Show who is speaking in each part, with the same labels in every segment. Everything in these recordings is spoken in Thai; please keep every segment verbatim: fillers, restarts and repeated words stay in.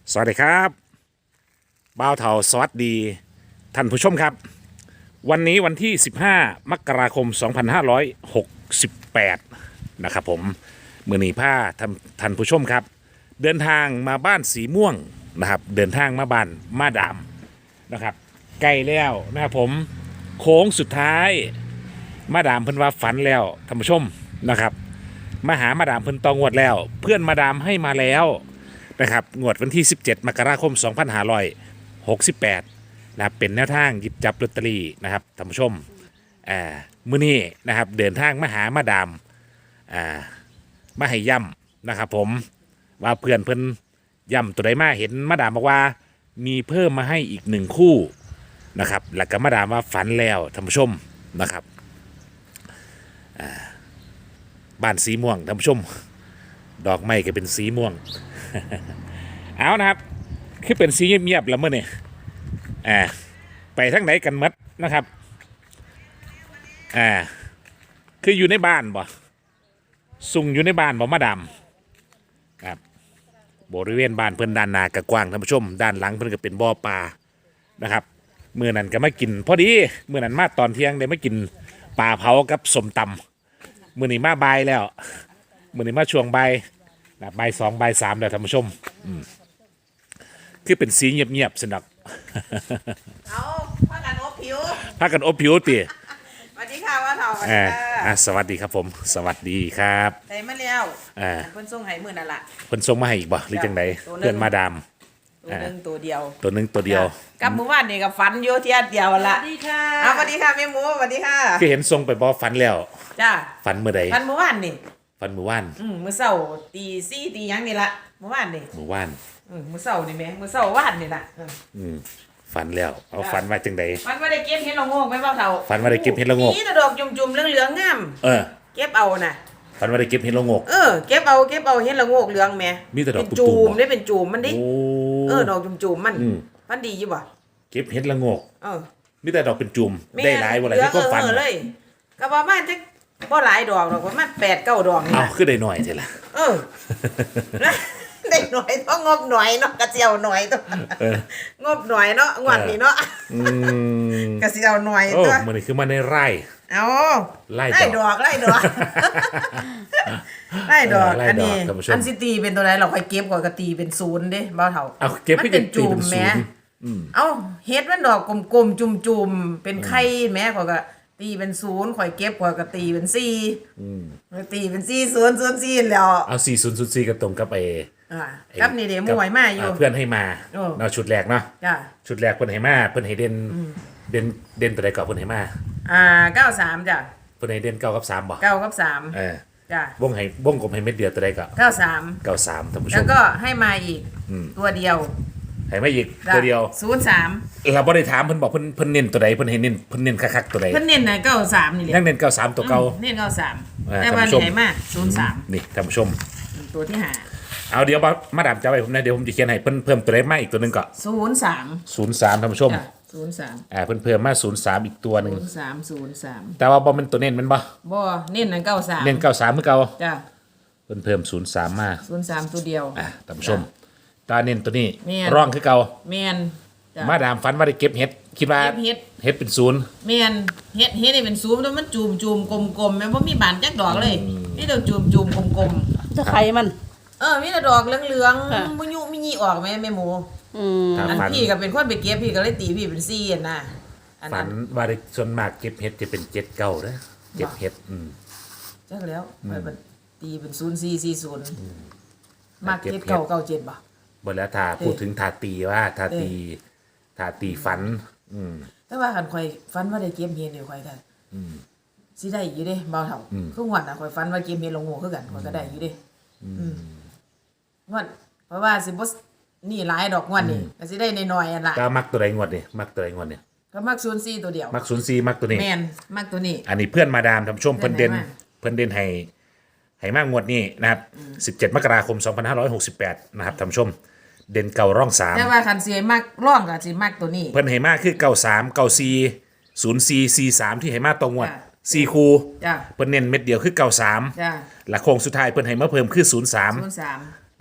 Speaker 1: สวัสดีครับบ่าวเถาสวัสดีท่านผู้ชมครับวันนี้วันที่สิบห้ามกราคมสองพันห้าร้อยหกสิบแปดนะครับผมมือนีผ้าท่านท่านผู้ชมครับเดินทางมาบ้านสีม่วงนะครับเดินทางมาบ้านมาดามนะครับใกล้แล้วนะครับผมโค้งสุดท้ายมาดามเพิ่นว่าฝันแล้วท่านผู้ชมนะครับมาหามาดามเพิ่นตองวดแล้วเพื่อนมาดามให้มาแล้วนะครับงวดวันที่สิบเจ็ดมกราคมสองพันห้าร้อยหกสิบแปดนะครับเป็นแนวทางหยิบจับลอตเตอรี่นะครับท่านผู้ชมอ่ามื้อนี้นะครับเดินทางมาหามาดามอ่ามาให้ย่ำนะครับผมว่าเพื่อนเพิ่นย่ำตัวใดมาเห็นมาดามบอกว่ามีเพิ่มมาให้อีกหนึ่งคู่นะครับแล้วก็มาดามว่าฝันแล้วท่านผู้ชมนะครับอ่าบ้านสีม่วงท่านผู้ชมดอกไม้ก็เป็นสีม่วง เอานะครับคือเป็นสีเงียบๆแล้วเมื่อนี่อ่าไปทั้งไหนกันมัดนะครับอ่าคืออยู่ในบ้านบ่สุ่งอยู่ในบ้านบ่มาดามครับบริเวณบ้านเพิ่นด้านหน้ากกว้างท่านผู้ชมด้านหลังเพิ่นก็เป็นบ่อปลานะครับเมื่อนั้นก็มากินพอดีเมื่อนั้นมาตอนเที่ยงได้มากินปลาเผากับสมตำมื่อนี้มาบ่ายแล้วมื่อนี้มาช่วงบ่ายใบสองใบสามแล้วท่านผู้ชมคือเป็นสีเงียบๆสนัก
Speaker 2: เอาพักกันอบผิว
Speaker 1: พากันอบผิวตี
Speaker 2: สวัสดีค่ะว่าเถาสวัส
Speaker 1: อ่า
Speaker 2: ดีค่ะ
Speaker 1: อ่าสวัสดีครับผม สวัสดีครับ
Speaker 2: ใส่มาแล้ว
Speaker 1: อ่า
Speaker 2: เพิ่นส่งให้มื้อนั่นล่ะ
Speaker 1: เพิ่นส่งมาให้อีกบ่หรือจังได
Speaker 2: ตัวหนึ่ง
Speaker 1: เพื่อนมาดาม
Speaker 2: ตัวหนึงตัวเดียว
Speaker 1: ตัวหนึงตัวเดียว
Speaker 2: กับหมู่บ้านนี่ก็ฝันอยู่เที่ยเดียวละ
Speaker 3: สวัสดีค่ะ
Speaker 2: เอาสวัสดีค่ะแม่หมูสวัสดีค่ะ
Speaker 1: คือเห็นส่งไปบ่ฝันแล้ว
Speaker 2: จ้า
Speaker 1: ฝันเมื่อใด
Speaker 2: ฝันหมู่บ้านนี่
Speaker 1: ฝันเมื่อวาน
Speaker 2: อืมมื้อเช้าตีสี่ตีหยังนี่ล่ะหมู่บ้านนี่
Speaker 1: เมื่อวาน
Speaker 2: อืมมื้อเช้านี่แหม่มื้อเช้าวานนี่ล่ะเออ
Speaker 1: อืมฝันแล้วเอาฝันว่าจังได
Speaker 2: ฝันว่าได้เก็บเห็ดละโงกไว้เปล่าเฒ่า
Speaker 1: ฝันว่าได้เก็บเห็ดละโงก
Speaker 2: นี่แต่ดอกจุ่มๆเหลืองๆงาม
Speaker 1: เออ
Speaker 2: เก็บเอาน่ะ
Speaker 1: ฝันว่าได้เก็บเห็ดละโงก
Speaker 2: เออเก็บเอาเก็บเอาเห็ดละโงกเหลืองแหม่
Speaker 1: มีแต่ดอก
Speaker 2: เป็น
Speaker 1: ตุ่
Speaker 2: จู
Speaker 1: ม
Speaker 2: ม
Speaker 1: ๆ
Speaker 2: ได้เป็นจูมมันดิ
Speaker 1: โอ้
Speaker 2: เออดอกจุ่มๆมัน
Speaker 1: อืม
Speaker 2: ฝันดีอยู่บ่
Speaker 1: เก็บเห็ดละโงก
Speaker 2: เออ
Speaker 1: มีแต่ดอกเป็นจุ่ม
Speaker 2: แม่
Speaker 1: ได้หลายบ่หลายที่
Speaker 2: เหลื
Speaker 1: ก็
Speaker 2: อ
Speaker 1: ฝัน
Speaker 2: เออเลยก็ประมาณจักบ่หลายดอกดอกประมาณแปดเก้าดอกนี่
Speaker 1: เอา
Speaker 2: ล่ะ
Speaker 1: คือได้หน่อยเท่าล่ะ
Speaker 2: เออ ได้หน่อยต้องงบหน่อยเนาะกระเจียวหน่อยตัว
Speaker 1: เออ
Speaker 2: งบหน่อยเนาะงวดนี้เนาะ
Speaker 1: อืม
Speaker 2: กระเจียวหน่อย
Speaker 1: โอ้
Speaker 2: ตัว
Speaker 1: มันนี่คือมาในไร่
Speaker 2: เอา
Speaker 1: ไล่
Speaker 2: ไล่
Speaker 1: ด
Speaker 2: ด
Speaker 1: อ
Speaker 2: อก กไล่ดอกไล่ดอก
Speaker 1: เออไล่ดอก
Speaker 2: อันนี้
Speaker 1: ท่านผู้ชม
Speaker 2: อันสิตีเป็นตัวไหนเราค่อยเก็บก่อนก็ตีเป็นศูนย์เด้บ่าวเฒ่า
Speaker 1: เอาเก็บ
Speaker 2: มั
Speaker 1: ให้
Speaker 2: เป็น
Speaker 1: ตี
Speaker 2: จู
Speaker 1: เป็
Speaker 2: ม
Speaker 1: นศู
Speaker 2: แหม่
Speaker 1: นย์อืม
Speaker 2: เอ้าเฮ็ดมันดอกกลมๆจุ่มๆเป็นไข่แหม่ข่อยก็ตีเป็นศูนย์ข่อยเก็บข่อยก็ตีเป็นสี่
Speaker 1: อืม
Speaker 2: ตีเป็นสี่ศูนย์ศูนย์สี่แล้ว
Speaker 1: เอาสี่ศูนย์ศูนย์สี่ก็ตรงกับไอ้
Speaker 2: อ่า
Speaker 1: ไอ้
Speaker 2: กับนี่เดี๋ยวมวยมาอยู่
Speaker 1: เพื่อนให้มา
Speaker 2: โอ้
Speaker 1: เนาะชุดแรกเนาะ
Speaker 2: จ้ะ
Speaker 1: ชุดแรกเพิ่นให้มาเพิ่นให้เด่นเด่นเด่นตัวใดก่อนเพิ่นให้มา
Speaker 2: อ่าเก้าสามจ้ะ
Speaker 1: เพิ่นให้เด่นเก้ากับสามบ่
Speaker 2: เก้ากับสาม
Speaker 1: เออ
Speaker 2: จ้ะ
Speaker 1: วงให้วงกลมให้เม็ดเดียวตัวใดก็
Speaker 2: เก้าสาม
Speaker 1: เก้าสามท่านผู้ช
Speaker 2: แล้ว
Speaker 1: ม
Speaker 2: ก็ให้มาอีก
Speaker 1: อืม
Speaker 2: ตัวเดียว
Speaker 1: ให้มาอีกตัวเดียว
Speaker 2: ศูนย์สาม
Speaker 1: เราบ่ได้ถามเพิ่นบอกเพิ่นเพิ่นเน้นตัวใดเพิ่นให้เน้นเพิ่นเน้นคักๆตัวใด
Speaker 2: เพิ่นเน้นนะเก้าสามนี่แหละ
Speaker 1: ยังเน้นเก้าสามตัวเก่า
Speaker 2: อืมเน้นเก้าสาม
Speaker 1: อ่า
Speaker 2: แต่ว่า
Speaker 1: ท่านผู้ชม
Speaker 2: ไหนมาศูนย์สาม
Speaker 1: นี่ท่านผู้ชม
Speaker 2: ตัวที่หา
Speaker 1: เอาเดี๋ยวมามาดามจะไว้ผมนะเดี๋ยวผมจะเขียนให้เพิ่นเพิ่มตัวเลขมาอีกตัวหนึงก็
Speaker 2: ศูนย์สาม
Speaker 1: ศูนย์สามท่านผู้ชม
Speaker 2: จ้ะศูนย์สาม
Speaker 1: อ่าเพิ่นเพิ่มมาศูนย์สามอีกตัวหนึง
Speaker 2: ศูนย์สามศูนย์สาม
Speaker 1: แต่ว่าบ่แมันตัวเน้นแมันบ่
Speaker 2: บ่เน้นนะเก้าสาม
Speaker 1: เน้นเก้าสามคือเก่า
Speaker 2: จ้ะ
Speaker 1: เพิ่นเพิ่มศูนย์สามมา
Speaker 2: ศูนย์สามตัวเดียว
Speaker 1: อ่าท่านผู้ชมตาเน้นตัวนี้
Speaker 2: แม่น
Speaker 1: ร่องคือเก่า
Speaker 2: แมนจ้ะ
Speaker 1: มาดามฝันว่าได้เก็บเห็ดคิดว่า
Speaker 2: เก็บเฮ็ด
Speaker 1: เห็ดเป็นศูนย์
Speaker 2: แมนเฮ็ดเฮ็ดนี่เป็นซูมแล้วมันจูมจูมกลมกลมๆแม่นบ่มีบานจักดอกเลยนี่เราจูมจูมกลมกลม
Speaker 3: จะไข่มัน
Speaker 2: ๆเออมีแต่ดอกเหลือง
Speaker 3: ค่ะ
Speaker 2: ๆบ่ยุมีหยีออกแม่แม่หมู
Speaker 3: อืม
Speaker 1: ถ้า
Speaker 2: อัน
Speaker 1: ฝัน
Speaker 2: พี่ก็เป็นคนไปเก็บพี่ก็เลยตีพี่เป็นสี่อันน่ะอัน
Speaker 1: ฝั
Speaker 2: นั้น
Speaker 1: นว่าได้ส่วนมากเก็บเห็ดจะเป็นเจ็ดเก้าเด้อเก็บเห็ดอืม
Speaker 2: จักแล้วไปบัดตีเป็นศูนย์สี่สี่ศูนย์มาก
Speaker 1: เก็บ
Speaker 2: เจ็ด
Speaker 1: เฮ็ด
Speaker 2: เก้าเก้าเจ็ดบ่
Speaker 1: บ่แล้วถ้าพูดถึงทาตีว่าทาตีทาตีฝัน อืม
Speaker 2: แต่ว่าคันข่อยฝันว่าได้เก็บเฮ็ดนี่ข่อยก็
Speaker 1: อืม
Speaker 2: สิได้อยู่เด้เบาเท่า
Speaker 1: อืม
Speaker 2: คือหวดน่ะข่อยฝันว่าเก็บเฮ็ดลงโง่คือกันข่อยก็ได้อยู่เด้อืมงวดเพราะว่าสิบ่นี่หลายดอกงวดนี่ก็สิได้น้อยๆอันล่ะ
Speaker 1: ก็มักตัวใดงวดนี่มักตัวใดงวดนี่
Speaker 2: ก็มักศูนย์สี่ตัวเดียว
Speaker 1: มักศูนย์สี่มักตัวนี้
Speaker 2: แม่นมักตัวนี้
Speaker 1: อันนี้เพื่อนมาดามท่านผู้ชม
Speaker 2: เพื่
Speaker 1: เพิ่
Speaker 2: อน น
Speaker 1: เด่น
Speaker 2: ให้มา
Speaker 1: เพิ่นเด่นให้ให้มากงวดนี้นะครับสิบเจ็ดมกราคมสองพันห้าร้อยหกสิบแปดนะครับท่านผู้ชม เด่นเก่าร่องสาม
Speaker 2: แต่ว่าคันสิให้มักร่องก็สิมักตัวนี้
Speaker 1: เพิ่นให้มากคือเก่าสามเก่าสี่ศูนย์สี่สี่สามที่ให้มาตรงงวด
Speaker 2: จ้ะ
Speaker 1: สี่คู
Speaker 2: จ้ะ
Speaker 1: เพิ่นเน้นเม็ดเดียวคือเก่าสาม
Speaker 2: จ้ะ
Speaker 1: และโค้งสุดท้ายเพิ่นให้มาเพิ่มคือศูนย์สาม
Speaker 2: ศูนย์สาม
Speaker 1: แ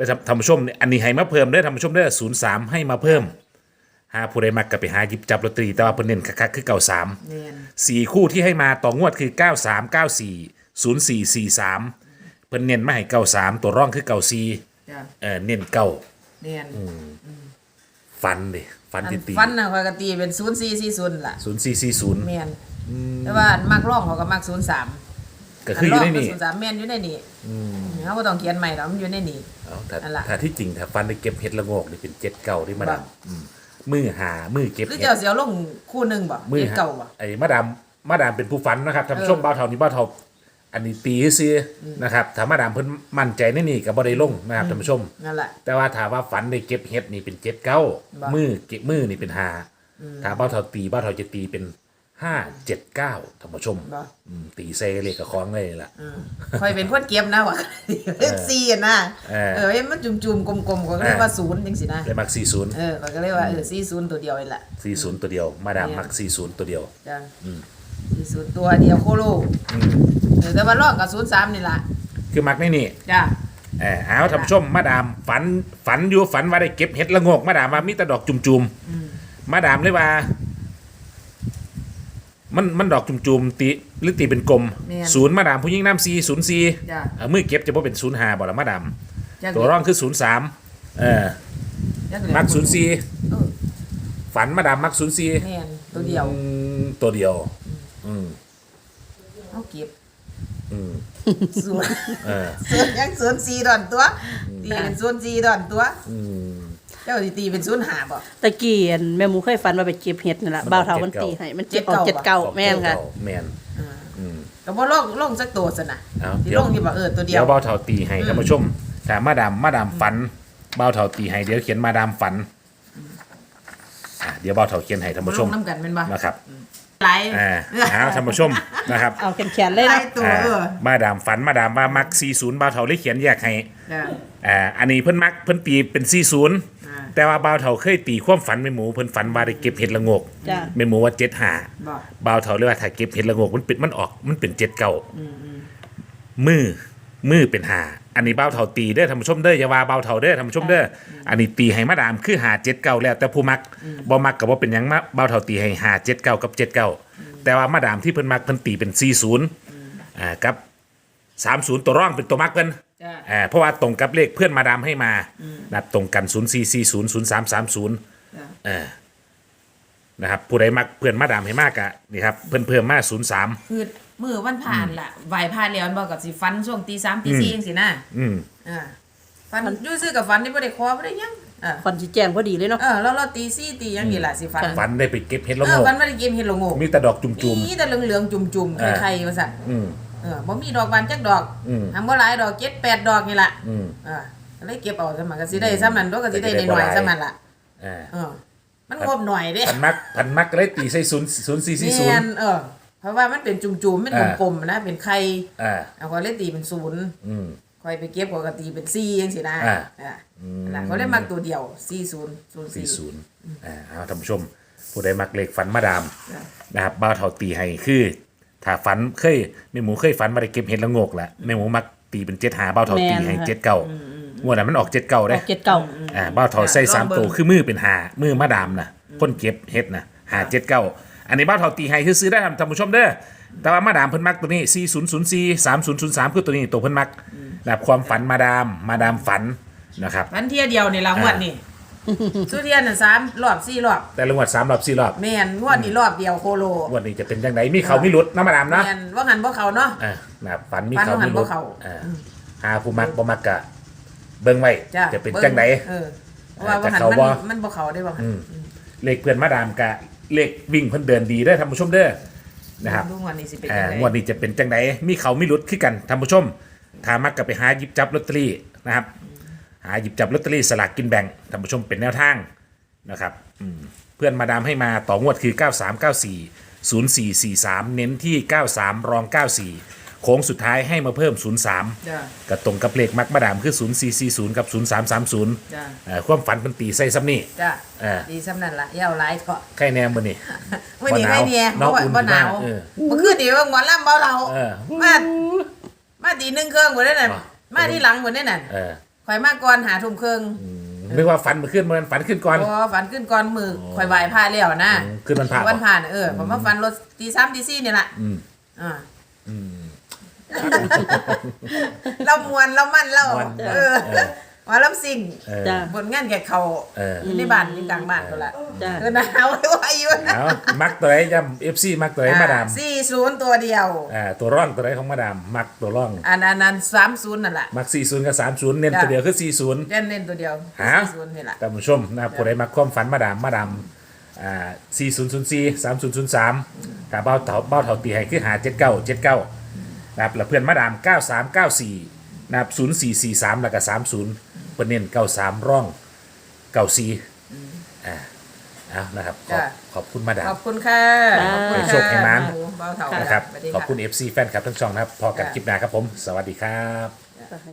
Speaker 1: แล้วท่านผู้ชมเนี่ยอันนี้ให้มาเพิ่มเด้อท่านผู้ชมเด้อศูนย์สามให้มาเพิ่มหาผู้ใดมักก็ไปหาหยิบจับลอตเตอรี่แต่ว่าเพิ่นเน้นคักๆคือเก้าสาม
Speaker 2: แม่น
Speaker 1: สี่คู่ที่ให้มาต่องวดคือเก้าสามเก้าสี่ศูนย์สี่สี่สามเพิ่นเน้นมาให้เก้าสามตัวร่องคือเก้าสี่
Speaker 2: จ้ะ
Speaker 1: เออเน้นเก้า
Speaker 2: แม่น
Speaker 1: ฟันดิฟัน
Speaker 2: อัน
Speaker 1: ที่ตี
Speaker 2: ฟันน่ะข้อยก็ตีเป็นศูนย์สี่สี่ศูนย์ล่ะ
Speaker 1: ศูนย์สี่สี่ศูนย์
Speaker 2: แม่นแต่ว่ามักร้องเขาก็มักศูนย์สาม
Speaker 1: ก็คืออยู่ในนี่
Speaker 2: ศูนย์สามแม่นอยู่ในนี่เขาบ่ต้องเขียนใหม่ดอกมันอยู่ในนี่
Speaker 1: เอาถ้า
Speaker 2: นั่นล่ะ
Speaker 1: ถ้าที่จริงถ้าฟันได้เก็บเห็ดละโงกนี่เป็นเจ็ดเก่าที่มา
Speaker 2: บ่
Speaker 1: ดามอืมมือหามือเก็บ
Speaker 2: หรือ
Speaker 1: เห็ด
Speaker 2: เจ้าสิเอาลงคู่หนึงบ่
Speaker 1: มือ
Speaker 2: เจ็ด
Speaker 1: หา
Speaker 2: เก่าบ่
Speaker 1: ไอ้มาดามมาดามเป็นผู้ฟันนะครับท่านผู้ชม
Speaker 2: เออ
Speaker 1: บ้าวเท่านี้บ้าวเท่าอันนี้ตีซื้ออนะครับถ้ามาดามเพิ่นมั่นใจในนี่ก็บ่ได้ลงนะครับท่านผู้ชม
Speaker 2: นั่นแหละ
Speaker 1: แต่ว่าถามว่าฝันได้เก็บเห็ดนี่เป็นเจ็ดเก้า
Speaker 2: บ่
Speaker 1: มือเก็บมือนี่เป็นหาถ้าบ้าวเท่าตีบ้าวเท่าจะตีเป็นห้าเจ็ดเก้าท่านผู้ชม
Speaker 2: บ่
Speaker 1: อืมตีเซเลขกับคล้องเลยล่ะ
Speaker 2: คอยเป็นคนเก็บนะว่าเลขสี่อะนะ
Speaker 1: เออ
Speaker 2: เออเอ้ยมันจุ่มๆกลมๆก็เรียกว่าศูนย์จังสินะ
Speaker 1: เลยมักสี่ศูนย์
Speaker 2: เออก็เรียกว่าเออสี่ศูนย์ตัวเดียวนี่แหละ
Speaker 1: สี่ศูนย์ตัวเดียว มาดามมักสี่ศูนย์ตัวเดียว
Speaker 2: จ้ะสี่ศูนย์ตัวเดียวโคโลเออแต่ว่าลอกกับศูนย์สามนี่ล่ะ
Speaker 1: คือมักในนี่
Speaker 2: จ้ะ
Speaker 1: เออเอาท่านผู้ชมมาดามฝันฝันอยู่ฝันว่าได้เก็บเห็ดละโงกมาดามว่ามีแต่ดอกจุ่มๆมาดามเลยว่า มันมันดอกจุ่มๆตีหรือตีเป็นกลมศูนย์มาดามผู้ยิ่งน้ำซีศูนย์ซี
Speaker 2: จ้ะ
Speaker 1: มือเก็บจะบ่เป็นศูนย์หาบ่ละมาดาม
Speaker 2: จ้ะ
Speaker 1: ตัวร่องคือศูนย์สามเออ
Speaker 2: จ้ะ
Speaker 1: มักศูนย์ซี
Speaker 2: เออ
Speaker 1: ฝันมาดามมักศูนย์ซี
Speaker 2: แม่นตัวเดียว
Speaker 1: ตัวเดียว อืม
Speaker 2: เอาเก็บ
Speaker 1: อืม
Speaker 2: ศูนย์
Speaker 1: เออ
Speaker 2: ศูนย์ยังศูนย์สี่ดอนตัวตีเป็นศูนย์สี่ดอนตัว
Speaker 1: อืม
Speaker 2: เจ้าสิตีเป็นศูนย์ห้าบ่
Speaker 3: ตะกี้อันแม่หมูเคยฝันว่าไปเก็บเห็ดนั่นแหละ
Speaker 1: มัน
Speaker 3: บ่าวเฒ่า
Speaker 1: เจ็
Speaker 3: มั
Speaker 1: ด
Speaker 3: น
Speaker 1: เก้า
Speaker 3: ตีให้มัน
Speaker 2: เจ็
Speaker 3: เจ็
Speaker 2: ด
Speaker 3: ดออก
Speaker 2: เก้า
Speaker 3: เจ็ดเก้าแม่นค่ะ
Speaker 1: แม่นอืม
Speaker 2: ก็บ่ลงลงสักตัวซะนะ
Speaker 1: เอา
Speaker 2: สิ
Speaker 1: เดี๋ยว
Speaker 2: ลงอยู่บ่เออตัวเดี
Speaker 1: เดี๋
Speaker 2: ย
Speaker 1: ยว วเบาเท่าตีให้ท่านผู้ชมถ้ามาดามมาดามฝันเบาเท่าตีให้เดี๋ยวเขียนมาดามฝันอ่ะเดี๋ยวเบาเท่าเขียนให้ท่านผู้ช
Speaker 2: ล
Speaker 1: ม
Speaker 2: งน้ำกันแม่นบ่
Speaker 1: นะครับ
Speaker 2: หลาย
Speaker 1: อ่าเอาท่านผู้ชมนะครับ
Speaker 3: เอาแขนๆเลย
Speaker 2: ห
Speaker 3: นะ
Speaker 2: ลายตัว
Speaker 1: อ่า
Speaker 2: เออ
Speaker 1: มาดามฝันมาดามว่ามักสี่สิบเบาเท่าเลยเขียนแยกให้
Speaker 2: จ้ะ
Speaker 1: อ่าอันนี้เพิ่นมักเพิ่นตีเป็นสี่สิบ
Speaker 2: อ่า
Speaker 1: แต่ว่าเบาเท่าเคยตีความฝันแม่หมูเพิ่นฝันว่าได้เก็บเห็ดละโงก
Speaker 3: จ้ะ
Speaker 1: แม่หมูว่าเจ็ดหา
Speaker 2: บ่
Speaker 1: เบาเท่าเลยว่าถ้าเก็บเห็ดละโงกมันเป็นมันออกมันเป็นเจ็ดเก้ามือมือเป็นหาอันนี้เบาเท่าตีเด้อท่านผู้ชมเด้ออย่าว่าเบาเท่าเด้อท่านผู้ชมเด้ออันนี้ตีให้มาดามคือหาเจ็ดเก้าแล้วแต่ผู้มักบ่มักก็บ่เป็นหยังมาเบาเท่าตีให้หาเจ็ดเก้ากับเจ็ดเก้าแต่ว่ามาดามที่เพิ่นมักเพิ่นตีเป็นสี่ศูนย์อ่ากับสามศูนย์ตัวร่องเป็นตัวมักเพิ่น
Speaker 2: จ้ะ
Speaker 1: อ่าเพราะว่าตรงกับเลขเพื่อนมาดามให้มานะครับตรงกันศูนย์สี่สี่ศูนย์ศูนย์สามสามศูนย์
Speaker 2: จ้ะ
Speaker 1: เออนะครับผู้ใดมักเพื่อนมาดามให้มากอะนี่ครับเพิ่นเพิ่มมาศูนย์สาม
Speaker 2: คือมือวันผ่านล่ะไหวผ่านแล้วมันบอกกับสิฟันช่วงตีสามตีสี่เองสินะ
Speaker 1: อืม
Speaker 2: อ่าฟันอยู่ซื้อกับฟันนี่บ่ได้คอบ่ได้หยังอ่า
Speaker 3: ฟันสิแจ้งพอดีเลยเนาะ
Speaker 2: เออแล้วเราตีสี่ตีหยังนี่ล่ะสิฟัน
Speaker 1: ฝันได้ไปเก็บเห็ดละ
Speaker 2: เอ
Speaker 1: โง
Speaker 2: อก ฟันบ่ได้กินเห็ดละโงก
Speaker 1: มีแต่ดอกจุ่ม
Speaker 2: มีแต่เหลืองๆจุ่มๆ
Speaker 1: อ่า
Speaker 2: ไข่ๆว่าซั่น
Speaker 1: ๆอืม
Speaker 2: เออบ่มีดอกบานจักดอก
Speaker 1: อืม
Speaker 2: ทำบ่หลายดอกเจ็ดแปดดอกนี่ล่ะ
Speaker 1: อืม
Speaker 2: อ่าก็เลยเก็บเอาซะมันก็สิได้ซ้ำนั้นดอกก็สิได้
Speaker 1: แต่ก็ได้
Speaker 2: น้อย
Speaker 1: บ่หลาย
Speaker 2: ๆซ้ำนั้นล่ะ
Speaker 1: อ่า
Speaker 2: เออมันงบหน่อยเด้
Speaker 1: พันมักพันมักก็เลยตีใส่ศูนย์ศูนย์สี่สี่ศูน
Speaker 2: แม่
Speaker 1: ย์
Speaker 2: นเออเพราะว่ามันเป็นจุ่มๆเป็น
Speaker 1: อ่า
Speaker 2: กลมๆนะเป็นไข่
Speaker 1: อ่า
Speaker 2: เอาก็เลยตีเป็นศูนย์
Speaker 1: อืม
Speaker 2: คอยไปเก็บปกติเป็นสี่จังซี่นะ
Speaker 1: อ่า
Speaker 2: อ่านั่นล่ะเขาเลยมักตัวเดียวสี่ศูนย์ศูนย์
Speaker 1: สี่
Speaker 2: สี่
Speaker 1: ศูนย์อ่าเอาท่านผู้ชม ผู้ใดมักเลขฝันมาดาม
Speaker 2: จ้ะ
Speaker 1: นะครับบ้าวเท่าตีให้คือ ถ้าฝันเคยแม่หมูเคยฝันมาได้เก็บเห็ดละโงกแหละแม่หมูมักตีเป็นเจ็ดหาบ้าวเท่าตีให้เจ็ดเก้างวดนั้นมันออกเจ็ดเก้า
Speaker 3: อ
Speaker 1: ได้
Speaker 3: อกเจ็ดเก้า
Speaker 1: อ่าบ้าวเท่าใส่สามตัวคือมือเป็นหามือมาดามนะคนเก็บเห็ดนะหาเจ็ดเก้าอันนี้บ้าวเท่าตีให้คือซื้อได้ท่านผู้ชมเด้อแต่ว่ามาดามเพิ่นมักตัวนี้สี่ศูนย์ศูนย์สี่สามศูนย์ศูนย์สามคือตัวนี้ตัวเพิ่นมักนะครับความฝันมาดามมาดามฝันนะครับ
Speaker 2: วันเที่ยเดียวนี่ละงวดนี่สุเทียนน่ะสามรอบสี่รอบ
Speaker 1: แต่ละงวดสามรอบสี่รอบ
Speaker 2: แม่นงวดนี้รอบเดียวโคโล
Speaker 1: งวดนี้จะเป็นจังไดมีเขามีหลุดนะมาดามเนาะ
Speaker 2: แม่นว่าหันบ่เขาเนาะ
Speaker 1: อ่านะครับฝันมี
Speaker 2: ฝัน
Speaker 1: เขา
Speaker 2: ว่าหั
Speaker 1: มี
Speaker 2: น
Speaker 1: หลุ
Speaker 2: บ่
Speaker 1: ด
Speaker 2: เข้า
Speaker 1: อ่าหาผู้มักบ่มักกะเบิ่งไว้
Speaker 2: จ้ะ
Speaker 1: จะเป็นจังได
Speaker 2: เออเพราะว่าว่าหัน
Speaker 1: จะเข้า
Speaker 2: มัน
Speaker 1: บ่
Speaker 2: มันบ่เขาได้บ่หัน
Speaker 1: เลขเพื่อนมาดามกะเลขวิ่งเพิ่นเดินดีได้อท่านผู้ชมเด้อนะครับ
Speaker 2: ดูงวดนี้สิเป็น
Speaker 1: อ่า
Speaker 2: จังได๋
Speaker 1: งวดนี้จะเป็นจังไดมีเขามีหลุดคือกันท่านผู้ชมถ้ามักก็ไปหาหยิบจับลอตเตอรี่นะครับ หาหยิบจับลอตเตอรี่สลากกินแบ่งท่านผู้ชมเป็นแนวทางนะครับอืมเพื่อนมาดามให้มาต่องวดคือ เก้าสามเก้าสี่ ศูนย์สี่สี่สาม เน้นที่ เก้าสาม รอง เก้าสี่ โค้งสุดท้ายให้มาเพิ่ม ศูนย์สาม
Speaker 2: จ้ะ
Speaker 1: ก็ตรงกับเลขมักมาดามคือ ศูนย์สี่สี่ศูนย์ กับ ศูนย์สามสามศูนย์
Speaker 2: จ้ะ
Speaker 1: เอ่อความฝันเป็นตีใส่ซ้ำนี่
Speaker 2: จ้ะ
Speaker 1: อ่า
Speaker 2: ดีซ้ำนั่นล่ะอย่าเอาหลายเถาะ
Speaker 1: ใครแนมมือนี่
Speaker 2: มื้อนี้ให้เนี่ย
Speaker 1: น้
Speaker 2: บ่
Speaker 1: อง
Speaker 2: ว่า
Speaker 1: อุ่น
Speaker 2: บ่หนาว
Speaker 1: เออ
Speaker 2: เมื่อคืนนี่ว่าหมอลำเบาเรา
Speaker 1: เออ
Speaker 2: มามาตีหนึ่งเครื่องบ่ได้นั่น
Speaker 1: อ่ะ
Speaker 2: มาที่หลังบ่ได้นั่น
Speaker 1: เออ
Speaker 2: ข่อยมาก่อนหาทุ่มครึ่ง
Speaker 1: นึกว่าฝันมาขึ้นมันฝันขึ้นก่อน
Speaker 2: พอฝันขึ้นก่อนมือข่อยไหว้พระแล้วนะ
Speaker 1: อืมขึ้นวันพระ
Speaker 2: วันผ่านเออผมมาฝันรถตีสามตีสี่นี่แหละ
Speaker 1: อืม
Speaker 2: อ่า
Speaker 1: อืม
Speaker 2: เรามวนเรามั่นเรา
Speaker 1: ม่วน
Speaker 2: เออ
Speaker 1: เออ
Speaker 2: ว่าลำสิ่ง
Speaker 1: เออ
Speaker 3: จ้ะ
Speaker 2: บนงานแกเขา
Speaker 1: เออ
Speaker 2: อยู่ในบ้านอยู่กลางบ้านตัวละ
Speaker 3: จ้ะ
Speaker 2: เออหนาวไว้ไว้อยู่นะ
Speaker 1: เอามักตัวไหนจำเอฟซีมักตัวไหนมาดาม
Speaker 2: สี่ศูนย์ตัวเดียว
Speaker 1: อ่าตัวร่องตัวไหนของมาดาม มักตัวร่อง
Speaker 2: อันนั้นนั้นสามศูนย์นั่นแหละ
Speaker 1: มักสี่ศูนย์กับสามศูนย์เน้น
Speaker 2: จ้ะ
Speaker 1: ตัวเดียวคือสี่ศูนย์
Speaker 2: เล่นเล่นตัวเดียว
Speaker 1: ฮะ
Speaker 2: สี่ศูนย์นี่แหละ
Speaker 1: ท่านผู้ชมนะครับผู้ใดมักความฝันมาดามมาดามอ่าสี่ศูนย์ศูนย์สี่สามศูนย์ศูนย์สามกับเบ้าเถาเบ้าเถาตีให้คือหาเจ็ดเก้าเจ็ดเก้านะครับแล้วเพื่อนมาดามเก้าสามเก้าสี่นะครับศูนย์สี่สี่สามแล้วก็สามศูนย์เพื่อนเน้นเก้าสามร่องเก้าสี่อ่าเอานะครับขอบ
Speaker 2: จ้ะ
Speaker 1: ขอบคุณมาดา
Speaker 2: ข
Speaker 1: ม
Speaker 2: อบคุณค่ะ
Speaker 3: จ้า
Speaker 2: ขอบคุณ
Speaker 1: ให้โชคให้ม้า
Speaker 2: เบาเท่า
Speaker 1: นะครับ
Speaker 2: สวัสดี
Speaker 1: ขอบคุณ เอฟ ซี แฟนคลับทั้งช่องนะครับ พอกันคลิปหน้าครับผม สวัสดีครับ
Speaker 2: จ้ะ